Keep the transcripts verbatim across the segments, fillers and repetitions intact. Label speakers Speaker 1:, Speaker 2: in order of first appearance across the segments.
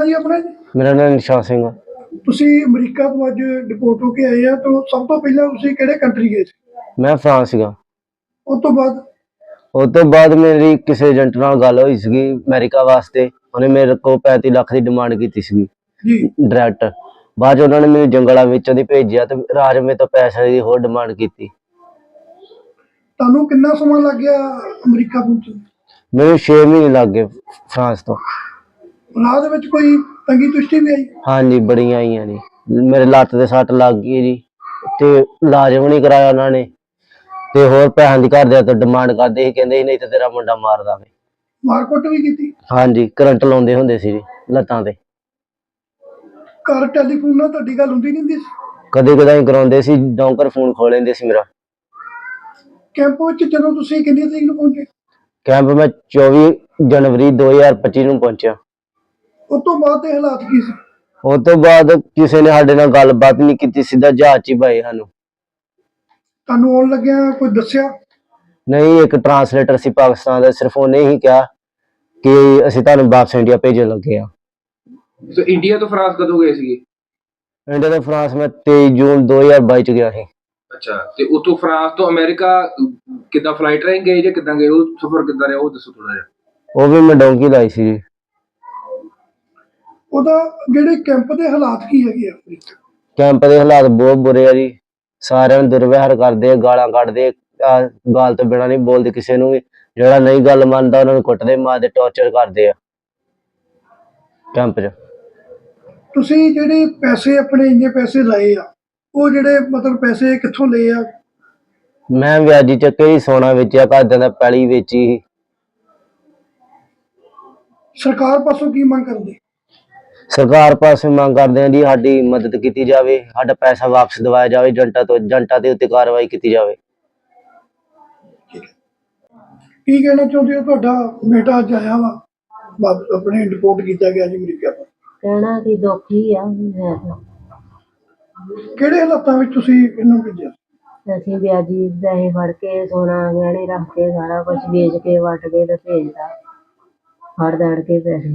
Speaker 1: ਨਾਂ ਜੀ ਆਪਣਾ ਜੀ?
Speaker 2: ਮੇਰਾ ਨਾਮ ਨਿਸ਼ਾਨ ਸਿੰਘ ਆ।
Speaker 1: ਤੁਸੀਂ ਅਮਰੀਕਾ ਤੋਂ ਅੱਜ ਡਿਪੋਰਟ ਹੋ ਕੇ ਆਏ ਆ, ਤਾਂ ਸਭ ਤੋਂ ਪਹਿਲਾਂ ਤੁਸੀਂ ਕਿਹੜੇ ਕੰਟਰੀ ਗਏ ਸੀ?
Speaker 2: ਮੈਂ ਫਰਾਂਸ ਸੀਗਾ।
Speaker 1: ਉਸ ਤੋਂ ਬਾਅਦ
Speaker 2: ਉਸ ਤੋਂ ਬਾਅਦ ਮੇਰੀ ਕਿਸੇ ਏਜੰਟ ਨਾਲ ਗੱਲ ਹੋਈ ਸੀਗੀ ਅਮਰੀਕਾ ਵਾਸਤੇ। ਉਹਨੇ ਮੇਰੇ ਕੋਲ ਪੈਂਤੀ ਲੱਖ ਦੀ ਡਿਮਾਂਡ ਕੀਤੀ ਸੀਗੀ
Speaker 1: ਜੀ
Speaker 2: ਡਾਇਰੈਕਟ। ਬਾਅਦ 'ਚ ਉਹਨਾਂ ਨੇ ਮੈਨੂੰ ਜੰਗਲਾਂ ਵਿੱਚੋਂ ਦੀ ਭੇਜਿਆ ਤੇ ਰਾਜ ਮੇ ਤੋਂ ਪੈਸੇ ਦੀ ਹੋਰ ਡਿਮਾਂਡ ਕੀਤੀ।
Speaker 1: ਤੁਹਾਨੂੰ ਕਿੰਨਾ ਸਮਾਂ ਲੱਗ ਗਿਆ ਅਮਰੀਕਾ ਪਹੁੰਚਣ?
Speaker 2: ਮੈਨੂੰ ਛੇ ਮਹੀਨੇ ਲੱਗ ਗਏ ਫਰਾਂਸ ਤੋਂ।
Speaker 1: ਰਾਹ ਦੇ ਵਿੱਚ ਕੋਈ ਤੰਗੀ ਤੁਸ਼ਟੀ ਵੀ ਆਈ?
Speaker 2: ਹਾਂਜੀ ਬੜੀਆਂ ਆਈਆਂ ਜੀ। ਮੇਰੇ ਲੱਤ ਤੇ ਸੱਟ ਲੱਗ ਗਈ ਜੀ ਤੇ ਇਲਾਜ ਵੀ ਨਹੀਂ ਕਰਾਇਆ ਉਹਨਾਂ ਨੇ ਤੇ ਹੋਰ ਪੈਸਿਆਂ ਦੀ ਘਰਦਿਆਂ ਤੋਂ ਡਿਮਾਂਡ ਕਰਦੇ ਸੀ, ਕਹਿੰਦੇ ਸੀ ਨਹੀਂ ਤੇ ਤੇਰਾ ਮੁੰਡਾ ਮਾਰ ਦਾਂਗੇ।
Speaker 1: ਮਾਰਕੁੱਟ ਵੀ ਕੀਤੀ?
Speaker 2: ਹਾਂਜੀ ਕਰੰਟ ਲਾਉਂਦੇ ਹੁੰਦੇ ਸੀ ਜੀ ਲੱਤਾਂ ਤੇ।
Speaker 1: ਘਰ ਟੈਲੀਫੋਨ ਨਾਲ ਤੁਹਾਡੀ ਗੱਲ ਹੁੰਦੀ ਨਹੀਂ ਹੁੰਦੀ ਸੀ?
Speaker 2: ਕਦੇ ਕਦਾਈ ਕਰਾਉਂਦੇ ਸੀ, ਡੌਂਕਰ ਫੋਨ ਖੋਲ ਲੈਂਦੇ ਸੀ ਮੇਰਾ।
Speaker 1: ਕੈਂਪ ਵਿੱਚ ਜਦੋਂ ਤੁਸੀਂ ਕਿੰਨੀ ਤਰੀਕ ਨੂੰ ਪਹੁੰਚੇ?
Speaker 2: ਕੈਂਪ ਮੈਂ ਚੌਵੀ ਜਨਵਰੀ ਦੋ ਹਜ਼ਾਰ ਪੱਚੀ ਨੂੰ ਪਹੁੰਚਿਆ।
Speaker 1: ਉਸ ਤੋਂ ਬਾਅਦ ਦੇ ਹਾਲਾਤ ਕੀ ਸੀ?
Speaker 2: ਉਸ ਤੋਂ ਬਾਅਦ ਕਿਸੇ ਨੇ ਸਾਡੇ ਨਾਲ ਗੱਲਬਾਤ ਨਹੀਂ ਕੀਤੀ, ਸਿੱਧਾ ਜਹਾਜ਼ 'ਚ ਹੀ ਪਾਏ ਸਾਨੂੰ।
Speaker 1: ਤੁਹਾਨੂੰ ਆਉਣ ਲੱਗਿਆ ਕੋਈ ਦੱਸਿਆ?
Speaker 2: ਨਹੀਂ, ਇੱਕ ਟਰਾਂਸਲੇਟਰ ਸੀ ਪਾਕਿਸਤਾਨ ਦਾ, ਸਿਰਫ ਉਹਨੇ ਹੀ ਕਿਹਾ ਕਿ ਅਸੀਂ ਤੁਹਾਨੂੰ ਵਾਪਸ ਇੰਡੀਆ ਭੇਜਣ ਲੱਗੇ ਆ।
Speaker 3: ਸੋ ਇੰਡੀਆ ਤੋਂ ਫਰਾਂਸ ਕਦੋਂ ਗਏ ਸੀਗੇ?
Speaker 2: ਇੰਡੀਆ ਤੋਂ ਫਰਾਂਸ ਮੈਂ ਤੇਈ ਜੂਨ ਦੋ ਹਜ਼ਾਰ ਬਾਈ 'ਚ ਗਿਆ ਸੀ।
Speaker 3: ਅੱਛਾ, ਤੇ ਉਤੋਂ ਫਰਾਂਸ ਤੋਂ ਅਮਰੀਕਾ ਕਿੱਦਾਂ ਫਲਾਈਟ ਰਾਹੀਂ ਗਏ ਜਾਂ ਕਿੱਦਾਂ ਗਏ? ਉਹ ਸਫ਼ਰ ਕਿੱਦਾਂ ਰਿਹਾ ਉਹ ਦੱਸੋ ਥੋੜਾ ਜਿਹਾ।
Speaker 2: ਉਹ ਵੀ ਮੈਂ ਡੌਂਕੀ ਲਾਈ ਸੀ ਜੀ।
Speaker 1: ਉਹਦਾ ਜਿਹੜੇ ਕੈਂਪ ਦੇ ਹਾਲਾਤ ਕੀ ਹੈਗੇ ਆ?
Speaker 2: ਕੈਂਪ ਦੇ ਹਾਲਾਤ ਬਹੁਤ ਬੁਰੇ ਆ ਜੀ। ਸਾਰਿਆਂ ਨੂੰ ਦੁਰਵਿਹਾਰ ਕਰਦੇ ਆ, ਗਾਲਾਂ ਕੱਢਦੇ ਆ, ਗਾਲ ਤੋਂ ਬਿਨਾਂ ਨਹੀਂ ਬੋਲਦੇ ਕਿਸੇ ਨੂੰ ਵੀ। ਜਿਹੜਾ ਨਹੀਂ ਗੱਲ ਮੰਨਦਾ ਉਹਨਾਂ ਨੂੰ ਕੁੱਟਦੇ, ਮਾਰਦੇ, ਟੌਰਚਰ ਕਰਦੇ ਆ ਕੈਂਪ 'ਚ।
Speaker 1: ਤੁਸੀਂ ਜਿਹੜੇ ਪੈਸੇ ਆਪਣੇ ਇੰਨੇ ਪੈਸੇ ਲਾਏ ਆ, ਉਹ ਜਿਹੜੇ ਮਤਲਬ ਪੈਸੇ ਕਿੱਥੋਂ ਲਏ ਆ?
Speaker 2: ਮੈਂ ਵਿਆਜੀ ਚੱਕੇ ਹੀ ਸੋਨਾ ਵੇਚਿਆ, ਘਰਦਿਆਂ ਦਾ ਪੈਲੀ ਵੇਚੀ ਸੀ।
Speaker 1: ਸਰਕਾਰ ਪਾਸੋਂ ਕੀ ਮੰਗ ਕਰਦੇ?
Speaker 2: ਸਰਕਾਰ ਪਾਸੇ ਮੰਗ ਕਰਦੇ ਆ ਜੀ ਸਾਡੀ ਮਦਦ ਕੀਤੀ ਜਾਵੇ, ਸਾਡਾ ਪੈਸਾ ਵਾਪਸ ਦਿਵਾਇਆ ਜਾਵੇ, ਏਜੰਟਾਂ ਤੋਂ ਏਜੰਟਾਂ ਦੇ ਉੱਤੇ ਕਾਰਵਾਈ ਕੀਤੀ ਜਾਵੇ।
Speaker 1: ਕੀ ਕਹਿਣਾ ਚਾਹੁੰਦੇ ਹੋ? ਤੁਹਾਡਾ ਬੇਟਾ ਅੱਜ ਆਇਆ ਵਾ, ਵਾਪਸ ਆਪਣੇ ਡਿਪੋਰਟ ਕੀਤਾ ਗਿਆ ਜੀ ਅਮਰੀਕਾ ਤੋਂ।
Speaker 4: ਕਹਿਣਾ ਕਿ ਦੁੱਖ ਹੀ ਆ। ਮੈਂ ਤਾਂ
Speaker 1: ਕਿਹੜੇ ਹਾਲਾਤਾਂ ਵਿੱਚ ਤੁਸੀਂ ਇਹਨੂੰ ਭੇਜਿਆ?
Speaker 4: ਅਸੀਂ ਵਿਆਜੀ ਪੈਸੇ ਫੜ ਕੇ ਸੋਨਾ ਗਹਿਣੇ ਰੱਖ ਕੇ ਸਾਰਾ ਕੁਝ ਵੇਚ ਕੇ ਵੱਟ ਕੇ ਤੇ ਭੇਜਦਾ, ਫੜ ਦੜ ਕੇ ਪੈਸੇ।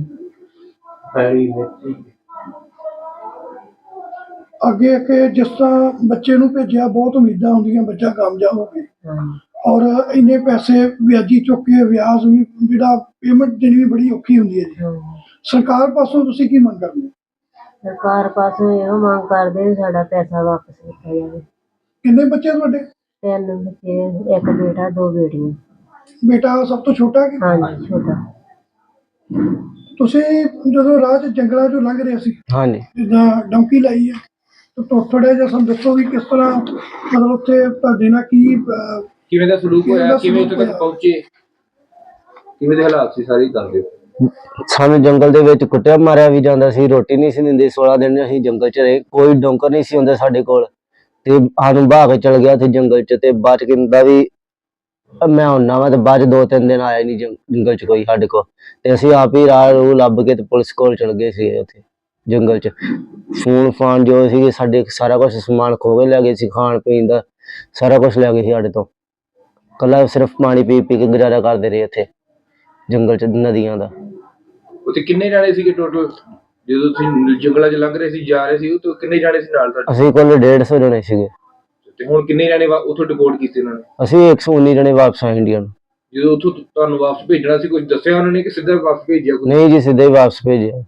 Speaker 1: ਅੱਗੇ ਅੱਗੇ ਜਿਸ ਤਰ੍ਹਾਂ ਬੱਚੇ ਨੂੰ ਭੇਜਿਆ, ਬਹੁਤ ਉਮੀਦਾਂ ਹੁੰਦੀਆਂ ਬੱਚਾ ਕਾਮਯਾਬ ਹੋਵੇ, ਔਰ ਇੰਨੇ ਪੈਸੇ ਵਿਆਜੀ ਚੁੱਕ ਕੇ ਵਿਆਜ ਵੀ ਜਿਹੜਾ ਪੇਮੈਂਟ ਦੇਣੀ ਵੀ ਬੜੀ ਔਖੀ ਹੁੰਦੀ ਹੈ ਜੀ। ਸਰਕਾਰ ਪਾਸੋਂ ਤੁਸੀਂ ਕੀ ਮੰਗ ਕਰਦੇ?
Speaker 4: ਸਰਕਾਰ ਪਾਸੋਂ ਇਹੋ ਮੰਗ ਕਰਦੇ ਸਾਡਾ ਪੈਸਾ ਵਾਪਸ ਕੀਤਾ ਜਾਵੇ।
Speaker 1: ਕਿੰਨੇ ਬੱਚੇ ਤੁਹਾਡੇ?
Speaker 4: ਤਿੰਨ ਬੱਚੇ, ਇੱਕ ਬੇਟਾ ਦੋ ਬੇਟੀਆਂ।
Speaker 1: ਬੇਟਾ ਸਭ ਤੋਂ ਛੋਟਾ ਕਿ?
Speaker 4: ਹਾਂਜੀ ਛੋਟਾ।
Speaker 1: ਤੁਸੀਂ ਜਦੋਂ ਰਾਹ 'ਚ ਜੰਗਲਾਂ 'ਚੋਂ ਲੰਘ ਰਹੇ ਸੀ,
Speaker 2: ਹਾਂਜੀ
Speaker 1: ਜਿੱਦਾਂ ਡੌਂਕੀ ਲਾਈ ਹੈ, ਤਾਂ ਥੋੜਾ ਜਿਹਾ ਸਾਨੂੰ ਦੱਸੋ ਵੀ ਕਿਸ ਤਰ੍ਹਾਂ ਮਤਲਬ ਉੱਥੇ ਤੁਹਾਡੇ ਨਾਲ ਕੀ ਅਹ,
Speaker 3: ਕਿਵੇਂ ਦਾ ਸਲੂਕ
Speaker 1: ਕਿਵੇਂ ਦਾ
Speaker 3: ਹੋਇਆ, ਕਿਵੇਂ
Speaker 1: ਸਲੂਕ
Speaker 3: ਉੱਥੇ ਤੱਕ
Speaker 1: ਹੋਇਆ?
Speaker 3: ਪਹੁੰਚੇ, ਕਿਵੇਂ ਦੇ ਹਾਲਾਤ ਸੀ ਸਾਰੇ ਦੱਸ ਦਿਓ।
Speaker 2: ਸਾਨੂੰ ਜੰਗਲ ਦੇ ਵਿੱਚ ਕੁੱਟਿਆ ਮਾਰਿਆ ਵੀ ਜਾਂਦਾ ਸੀ, ਰੋਟੀ ਨਹੀਂ ਸੀ ਦਿੰਦੇ। ਸੋਲਾਂ ਦਿਨ ਅਸੀਂ ਜੰਗਲ 'ਚ ਰਹੇ, ਕੋਈ ਡੌਂਕਰ ਨਹੀਂ ਸੀ ਹੁੰਦਾ ਸਾਡੇ ਕੋਲ ਤੇ ਸਾਨੂੰ ਬਹਾ ਕੇ ਚਲ ਗਿਆ ਉੱਥੇ ਜੰਗਲ 'ਚ। ਤੇ ਬਾਅਦ 'ਚ ਕਹਿੰਦਾ ਵੀ ਮੈਂ ਹੁੰਨਾ ਵਾ, ਤੇ ਬਾਅਦ 'ਚ ਦੋ ਤਿੰਨ ਦਿਨ ਆਇਆ ਨਹੀਂ ਜੰਗਲ 'ਚ ਕੋਈ ਸਾਡੇ ਕੋਲ। ਤੇ ਅਸੀਂ ਆਪ ਹੀ ਰਾਹ ਰੂਹ ਲੱਭ ਕੇ ਤੇ ਪੁਲਿਸ ਕੋਲ ਚਲ ਗਏ ਸੀ ਉੱਥੇ ਜੰਗਲ 'ਚ। ਫੋਨ ਫਾਨ ਜੋ ਸੀਗੇ ਸਾਡੇ ਸਾਰਾ ਕੁਛ ਸਮਾਨ ਖੋਹ ਕੇ ਲੈ ਗਏ ਸੀ, ਖਾਣ ਪੀਣ ਦਾ ਸਾਰਾ ਕੁਛ ਲੈ ਗਏ ਸੀ ਸਾਡੇ ਤੋਂ। ਕੱਲਾ ਸਿਰਫ ਪਾਣੀ ਪੀ ਪੀ ਕੇ ਗੁਜ਼ਾਰਾ ਕਰਦੇ ਰਹੇ ਉੱਥੇ ਜੰਗਲ 'ਚ ਨਦੀਆਂ ਦਾ।
Speaker 3: ਉੱਥੇ ਕਿੰਨੇ ਜਾਣੇ ਸੀਗੇ ਟੋਟਲ ਜਦੋਂ ਤੁਸੀਂ ਜੰਗਲਾਂ 'ਚ ਲੰਘ ਰਹੇ ਸੀ, ਜਾ ਰਹੇ ਸੀ? ਉਹ ਕਿੰਨੇ ਜਾਣੇ ਸੀ ਨਾਲ ਤੁਹਾਡੇ?
Speaker 2: ਅਸੀਂ ਕੋਲ ਡੇਢ ਸੌ ਜਣੇ ਸੀਗੇ।
Speaker 3: ਤੇ ਹੁਣ ਕਿੰਨੇ ਜਾਣੇ ਉੱਥੋਂ ਡਿਪੋਰਟ ਕੀਤੇ ਉਹਨਾਂ ਨੇ?
Speaker 2: ਅਸੀਂ ਇੱਕ ਸੌ ਉੱਨੀ ਜਣੇ ਵਾਪਸ ਆਏ ਇੰਡੀਆ ਨੂੰ।
Speaker 3: ਜਦੋਂ ਉੱਥੋਂ ਤੁਹਾਨੂੰ ਵਾਪਸ ਭੇਜਣਾ ਸੀ, ਕੁਝ ਦੱਸਿਆ ਉਹਨਾਂ ਨੇ ਕਿ ਸਿੱਧਾ ਵਾਪਸ ਭੇਜਿਆ?
Speaker 2: ਨਹੀਂ ਜੀ, ਸਿੱਧਾ ਹੀ ਵਾਪਸ ਭੇਜਿਆ।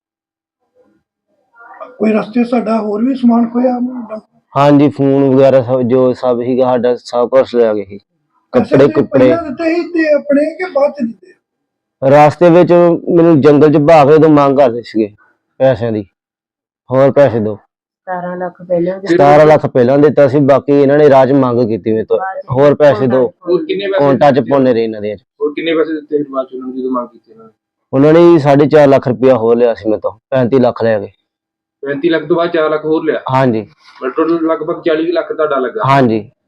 Speaker 1: ਕੋਈ ਰਸਤੇ ਸਾਡਾ ਹੋਰ ਵੀ ਸਮਾਨ ਖੋਇਆ?
Speaker 2: ਹਾਂਜੀ ਫੋਨ ਵਗੈਰਾ ਸਭ ਜੋ ਸਭ ਸੀਗਾ ਸਾਡਾ ਸਭ ਕੁਛ ਲੈ ਗਏ ਸੀ। ਕੱਪੜੇ ਕੁੱਪੜੇ
Speaker 1: ਦਿੱਤੇ ਸੀ ਤੇ ਆਪਣੇ ਕਿ ਬਾਅਦ 'ਚ ਦਿੱਤੇ?
Speaker 2: ਰਾਸਤੇ ਵਿੱਚ ਮੈਨੂੰ ਜੰਗਲ 'ਚ ਬਹਾ ਕੇ ਉਦੋਂ ਮੰਗ ਕਰਦੇ ਸੀਗੇ ਪੈਸਿਆਂ ਦੀ, ਹੋਰ ਪੈਸੇ ਦਿਓ।
Speaker 4: ਸਤਾਰਾਂ ਲੱਖ ਪਹਿਲਾਂ
Speaker 2: ਸਤਾਰਾਂ ਲੱਖ ਪਹਿਲਾਂ ਦਿੱਤਾ ਸੀ, ਬਾਕੀ ਇਹਨਾਂ ਨੇ ਰਾਜ ਮੰਗ ਕੀਤੀ ਮੇਰੇ ਤੋਂ ਹੋਰ ਪੈਸੇ ਦਿਓ।
Speaker 3: ਹੋਰ ਕਿੰਨੇ ਪੈਸੇ
Speaker 2: ਕੌਂਟਾਂ 'ਚ ਪਾਉਂਦੇ ਰਹੇ ਇਹਨਾਂ ਦੇ।
Speaker 3: ਹੋਰ ਕਿੰਨੇ ਪੈਸੇ ਦਿੱਤੇ ਬਾਅਦ 'ਚ ਉਹਨਾਂ ਨੂੰ ਜਦੋਂ ਮੰਗ ਕੀਤੀ ਇਹਨਾਂ ਨੇ?
Speaker 2: ਉਹਨਾਂ ਨੇ ਸਾਢੇ ਚਾਰ ਲੱਖ ਰੁਪਇਆ ਹੋਰ ਲਿਆ ਸੀ ਮੇਰੇ ਤੋਂ, ਪੈਂਤੀ ਲੱਖ ਲੈ ਗਏ।
Speaker 3: ਪੈਂਤੀ ਲੱਖ ਤੋਂ ਬਾਅਦ ਚਾਰ ਲੱਖ ਹੋਰ ਲਿਆ?
Speaker 2: ਹਾਂਜੀ
Speaker 3: ਟੋਟਲ ਲਗਭਗ ਚਾਲੀ ਲੱਖ ਤੁਹਾਡਾ ਲੱਗਾ?
Speaker 2: ਹਾਂਜੀ।